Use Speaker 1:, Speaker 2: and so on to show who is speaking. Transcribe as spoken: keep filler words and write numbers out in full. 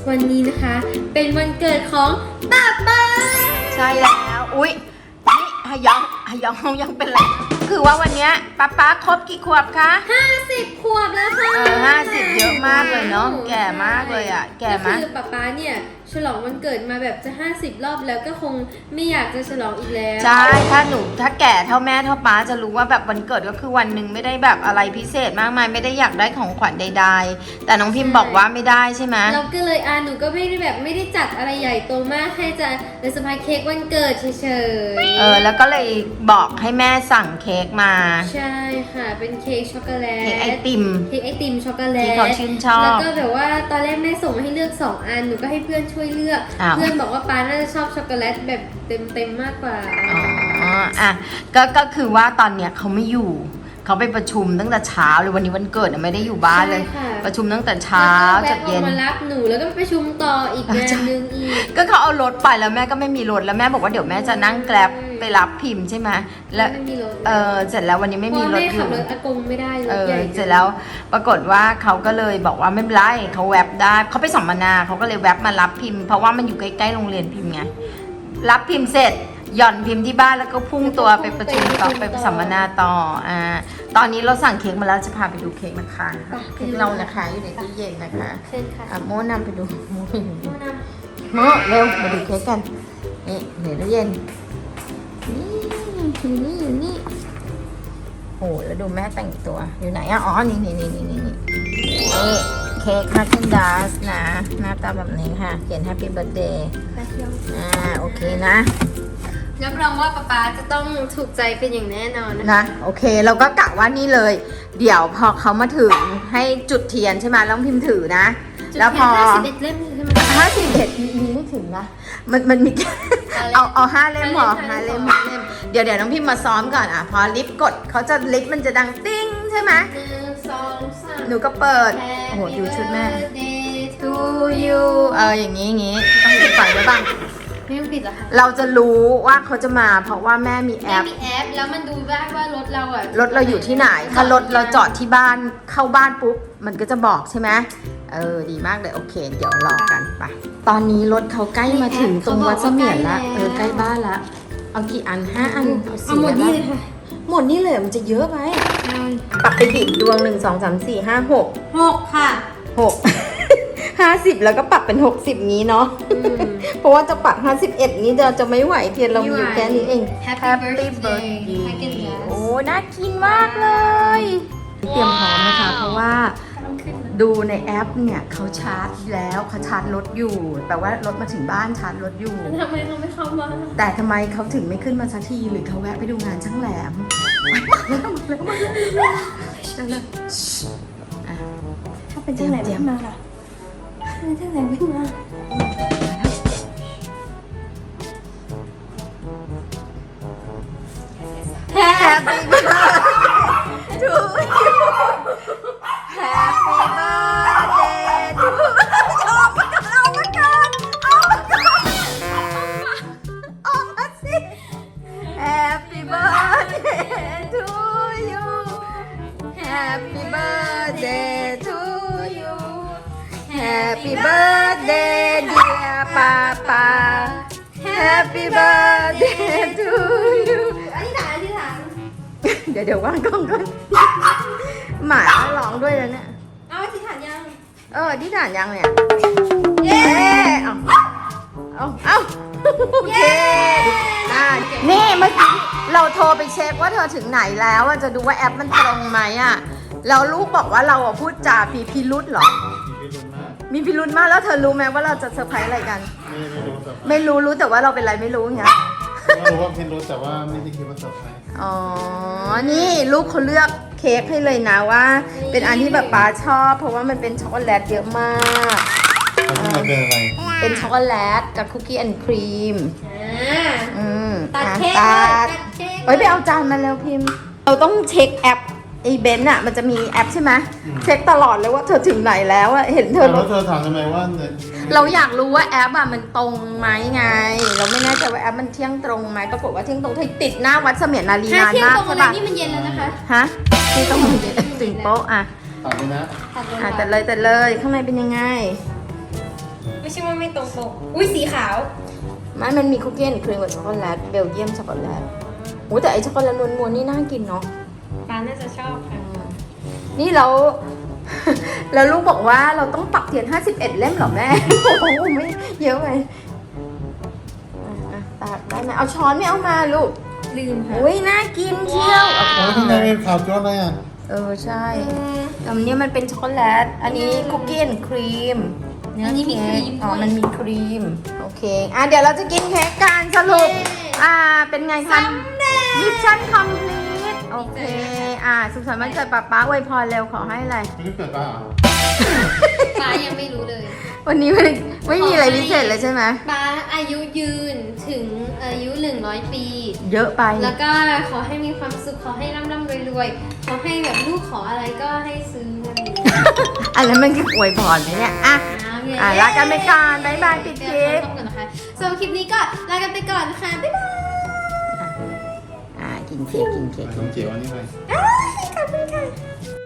Speaker 1: วันนี้นะคะเป็นวันเกิดของป๊าป๊า
Speaker 2: ใช่แล้วอุ๊ยนี่ฮยองฮยองยังเป็นไรคือว่าวันนี้ป๊าป๊าครบกี่ขวบคะ
Speaker 1: ห้าสิบขวบแล้วค่ะ
Speaker 2: เออห้าสิบเยอะมากเลยเนาะแก่มากเลยอ่ะแก่มาก
Speaker 1: คือป๊าป๊าเนี่ยฉลองวันเกิดมาแบบจะห้าสิบรอบแล้วก็คงไม่อยากจะฉลองอีกแล้ว
Speaker 2: ใช่ถ้าหนูถ้าแก่เท่าแม่เท่าป๊าจะรู้ว่าแบบวันเกิดก็คือวันหนึ่งไม่ได้แบบอะไรพิเศษมากมายไม่ได้อยากได้ของขวัญใดๆแต่น้องพิมพ์บอกว่าไม่ได้ใช่ไหม
Speaker 1: เราก็เลยอ่าหนูก็ไม่ได้แบบไม่ได้จัดอะไรใหญ่โตมากให้จะเลยเซอร์ไพรส์เค้กวันเกิดเฉยๆ
Speaker 2: เออแล้วก็เลยบอกให้แม่สั่งเค้กมา
Speaker 1: ใช่ค่ะเป็นเค้กช็อกโกแลต
Speaker 2: เค้กไอติม
Speaker 1: เค้กไอติมช็อกโกแลต
Speaker 2: ที่เขาชื่นชอบ
Speaker 1: แล้วก็แบบว่าตอนแรกแม่ส่งมาให้เลือกสองอันหนูก็ให้เพื่อนช่วยเลือกเพื่อนบอกว่าป้าน่าจะชอบช็อกโกแลตแบบเต็มๆมากกว่า
Speaker 2: อ๋ออ่ะก็ก็คือว่าตอนเนี้ยเขาไม่อยู่เขาไปประชุมตั้งแต่เช้าเลยวันนี้วันเกิดไม่ได้อยู่บ้านเลยประชุมตั้งแต่เช้าจนเย็น
Speaker 1: มารับหนูแล้วก็ไปประชุมต่ออีกงานนึงอีก
Speaker 2: ก็เขาเอารถไปแล้วแม่ก็ไม่มีรถแล้วแม่บอกว่าเดี๋ยวแม่จะนั่งแกร็บไปรับพิมพ์ใช่ไหมแล้วเออเสร็จแล้ววันนี้ไม่มีรถอยู่
Speaker 1: ขับรถอากงไม่ได้
Speaker 2: เออเสร็จแล้วปรากฏว่าเขาก็เลยบอกว่าไม่เป็นไรเขาแวบได้เขาไปสัมมนาเขาก็เลยแวบมารับพิมพ์เพราะว่ามันอยู่ใกล้ๆโรงเรียนพิมพ์ไงรับพิมพ์เสร็จหย่อนพิมพ์ที่บ้านแล้วก็พุ่งตัวไปประชุมต่อไปสัมมนาต่ออ่าตอนนี้เราสั่งเค้กมาแล้วจะพาไปดูเค้กนะคะเค้กเรานะคะอยู่ในตู้เย็นนะคะอ่ะโม่นำไปดูโม่โม่เร็วมาดูเค้กกันนี่ในตู้เย็นนี่อยู่นี่อยู่นี่โอ้แล้วดูแม่แต่งตัวอยู่ไหนอ่ะอ๋อนี่นี่นี่นี่นี่นี่เค้กฮาร์เกนดัสนะหน้าตาแบบนี้ค่ะเขียน Happy Birthday อ่าโอเคนะ
Speaker 1: รับรองว่าป๊าป๊าจะต้องถูกใจเป็นอย่างแน่นอนนะ
Speaker 2: นะโอเคเราก็กะว่านี่เลยเดี๋ยวพอเขามาถึงให้จุดเทียนใช่ไหมแล้วพิมพ์ถือนะแล้วพอ
Speaker 1: ห้าสิบเอ็ดเล่มใช่ไหม
Speaker 2: ห้าสิบเอ็ดมีไม่ถึงนะมันมันมีเอาเอาห้าเล่มพอห้าเล่มห้าเล่มเดี๋ยวเดี๋ยวน้องพิมพ์มาซ้อมก่อนอ่ะพอลิฟต์กดเขาจะลิฟต์มันจะดังติ้งใช่ไหม
Speaker 1: หนึ่งสองสาม
Speaker 2: หนูก็เปิดโอ้โหดูชุดแม่ to you เอออย่างนี้อย่างนี้ต้องปิดไฟไว้บ้าง
Speaker 1: ไม่ต้องปิดหรอคะ
Speaker 2: เราจะรู้ว่าเขาจะมาเพราะว่าแม่มีแอป
Speaker 1: แม่มีแอปแล้วมันดูได้ว่ารถเราอ่ะ
Speaker 2: รถเราอยู่ที่ไหนถ้ารถเราจอดที่บ้านเข้าบ้านปุ๊บมันก็จะบอกใช่ไหมเออดีมากเลยโอเคเดี๋ยวรอกันไปตอนนี้รถเขาใกล้มาถึงตรงวัดเสมียนละเออใกล้บ้านละเอากี่อันห้าอัน
Speaker 1: เอาหมดนี่เลยค่ะ
Speaker 2: หมดนี่เลยมันจะเยอะไปปักไปดิบดวงหนึ่งสองสามสี่ห้าหก
Speaker 1: หกค่ะ
Speaker 2: หกห้าสิบแล้วก็ปรับเป็นหกสิบนี้เนาะเพราะว่าจะปรับห้าสิบเอ็ดนี้เราจะไม่ไหวเทียนเรามีอยู่แค่นี้เอง
Speaker 1: Happy birthday
Speaker 2: โอ้น่ากินมากเลยเตรียมพร้อมนะคะเพราะว่าดูในแอปเนี่ยเขาชาร์จแล้วเขาชาร์จรถอยู่แปลว่ารถมาถึงบ้านชาร์จรถอยู่
Speaker 1: ทำไมเขาไม่เข้ามา
Speaker 2: แต่ทำไมเขาถึงไม่ขึ้นมาสักทีหรือเขาแวะไปดูงานช่างแหลม
Speaker 1: ถ้าเป็นช่างแหลมขึ้นมาค่ะเป็นช่างแหลมขึ้นมา
Speaker 2: Happy birthday to you Happy birthday to you เอามาก่อนเอามาก่อนเอามาก่อนเอามาสิ Happy birthday to you Happy birthday to you Happy birthday dear Papa Happy birthday to youเดี๋ยวเดี๋ยวว่างกล้องก่อนหมาร้องด้วยแล้วเนี่ย
Speaker 1: เอาที่ฐานยัง
Speaker 2: เออที่ฐานยังเนี่ยเย้เอาเอาเอาโอเคอ่านี่เมื่อกี้เราโทรไปเช็คว่าเธอถึงไหนแล้วจะดูว่าแอปมันตรงไหมอ่ะแล้วลูกบอกว่าเราพูดจาพีพิรุษเหรอมีพิรุธมากแล้วเธอรู้ไหมว่าเราจะเซอร์ไพรส์อะไรกันไม่รู้รู้แต่ว่าเราเป็นอะไรไม่รู้เงี้ย
Speaker 3: รู้ว่าพิรุธแต่ว่าไม่ได้คิดว่าเซอร์ไพรส์
Speaker 2: อ๋อนี่ลูกเขาเลือกเค้กให้เลยนะว่าเป็นอันที่แบบป๊าชอบเพราะว่ามันเป็นช็อกโกแลตเยอะมาก
Speaker 3: มันเป็นอะไร
Speaker 2: เป็นช็อกโกแลตกับคุกกี้แอนด์ครีมอืม
Speaker 1: ตัดเค้ก
Speaker 2: ตัดเฮ้ยไปเอาจานมาแล้วพิมพ์เราต้องเช็คแอปไอ้เบนซ์อ่ะมันจะมีแอปใช่ไหมเช็คตลอดเลยว่าเธอถึงไหนแล้วอ่ะเห็นเธอ
Speaker 3: แล้วเธอถามทำไมว่า
Speaker 2: เราอยากรู้ว่าแอปอ่ะมันตรงไหมไงเราไม่แน่ใจว่าแอปมันเที่ยงตรงไหมปรากฏว่าเที่ยงตรงเธอติดหน้าวัดเสมียนนารีนานมากใช่ปะ
Speaker 1: นี่มันเย็นแล้วนะคะ
Speaker 2: ฮะที่ต้องมันเย็นถึงโป๊ะอ่ะ
Speaker 3: ตัดเลยนะ
Speaker 2: อ่ะแต่เลยแต่เลยข้างในเป็นยังไง
Speaker 1: ไม่ใช่ว่าไม่ตรงปกอุ้ยสีขาว
Speaker 2: ไม่มันมีคุกกี้แอนด์ครีมกับช็อกโกแลตเบลเยียมช็อกโกแลตโอ้แต่ไอช็อกโกแลตนวลๆนี่น่ากินเนาะ
Speaker 1: ปาน่าจะชอบค่ะ
Speaker 2: นี่เรา แล้วลูกบอกว่าเราต้องปักเทียนห้าสิบเอ็ดเล่มเหรอแม่ โอ้โหไม่เยอะไปอ่ะๆตักได้ไหมเอาช้อนไม่เอามาลูก
Speaker 1: ลืมค่ะ
Speaker 2: อุ้ยน่ากินเชียว
Speaker 3: โอ้ยข้างในเป็นขาวจ้วเลยอ่ะ
Speaker 2: เออใช่อันนี้มันเป็นช็อกโกแลต อันนี้คุกกี้แอนด์ครีม
Speaker 1: อันนี้มีครีม
Speaker 2: อ๋อ
Speaker 1: ด้วย
Speaker 2: มันมีครีม โอเค อ่ะเดี๋ยวเราจะกินเค้กกันสรุป
Speaker 1: เย้
Speaker 2: อ่า เป็นไงคะมิชชั่นคอมพลีทโอเค อ่า สุขสันต์วันเกิดป๊าป๊าอวยพรเร็วขอให้อะไร
Speaker 3: ไม่ได้เกิดป้าเหรอ
Speaker 1: ปายังไม่รู้เลย
Speaker 2: วันนี้ไม่ไม่มีอะไรพิเศษเลยใช่ไหม
Speaker 1: ปาอายุยืนถึงอายุหนึ่งร้อยปี
Speaker 2: เยอะไป
Speaker 1: แล้วก็ขอให้มีความสุข ขอให้ร่ำร่ำรวยรวยๆ ขอให้แบบลูกขออะไรก็ให้ซื้ออะไรอย่างเงี้ย
Speaker 2: อันนั้นมันคืออวยพรไหมเนี่ย อ่ะ อ่ะลากันไปก่อนบ๊ายบายปิดคลิป
Speaker 1: เดี๋ยวขอโทษก่อนนะคะสำหรับคลิปนี้ก็ลากันไปก่อนค่ะ บ๊ายบาย
Speaker 2: อ่า กินเค้กกินเค้ก
Speaker 3: ขนมเจียวอันนี้ไป
Speaker 1: ขอบคุณค่ะ